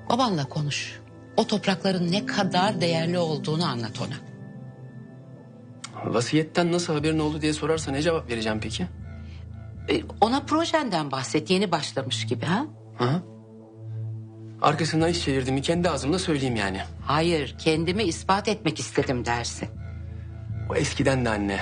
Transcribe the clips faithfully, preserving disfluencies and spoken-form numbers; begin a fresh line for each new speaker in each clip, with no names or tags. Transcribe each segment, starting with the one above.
Babanla konuş. O toprakların ne kadar değerli olduğunu anlat ona.
Vasiyetten nasıl haberin oldu diye sorarsa ne cevap vereceğim peki?
E, ona projenden bahset, yeni başlamış gibi ha?
Hı? Arkasından iş çevirdiğimi kendi ağzımla söyleyeyim yani.
Hayır, kendimi ispat etmek istedim dersin.
O eskiden de anne.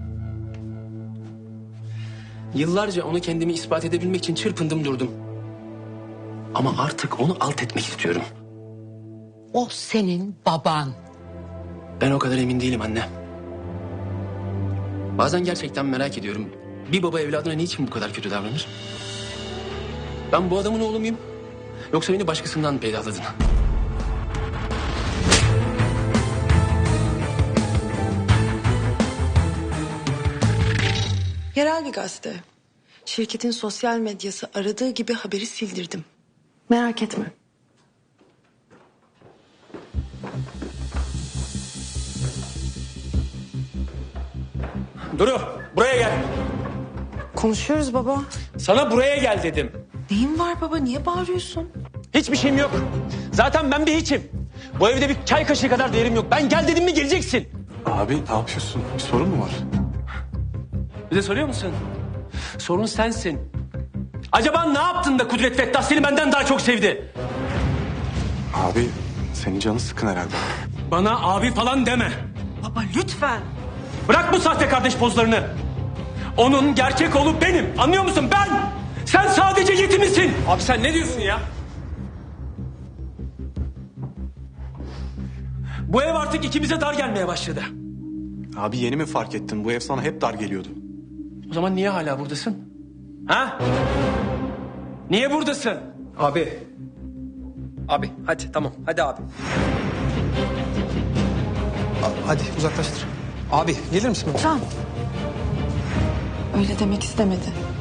Yıllarca onu kendimi ispat edebilmek için çırpındım durdum. Ama artık onu alt etmek istiyorum.
O senin baban.
Ben o kadar emin değilim anne. Bazen gerçekten merak ediyorum. Bir baba evladına niçin bu kadar kötü davranır? Ben bu adamın oğlu muyum? Yoksa beni başkasından mı peydahladın?
Yerel bir gazete. Şirketin sosyal medyası aradığı gibi haberi sildirdim. Merak etme.
Duru, buraya gel.
Konuşuyoruz baba.
Sana buraya gel dedim.
Neyin var baba? Niye bağırıyorsun?
Hiçbir şeyim yok. Zaten ben bir hiçim. Bu evde bir çay kaşığı kadar değerim yok. Ben gel dedim mi geleceksin.
Abi ne yapıyorsun? Bir sorun mu var?
Bir de soruyor musun? Sorun sensin. Acaba ne yaptın da Kudret Fettah seni benden daha çok sevdi?
Abi senin canın sıkın herhalde.
Bana abi falan deme.
Baba lütfen.
Bırak bu sahte kardeş pozlarını. Onun gerçek oğlu benim. Anlıyor musun? Ben. Sen sadece yetimisin. Abi sen ne diyorsun ya? Bu ev artık ikimize dar gelmeye başladı.
Abi yeni mi fark ettin? Bu ev sana hep dar geliyordu.
O zaman niye hala buradasın? Ha? Niye buradasın?
Abi. Abi hadi tamam hadi abi. A- Hadi uzaklaştır. Abi gelir misin?
Can. Öyle demek istemedi.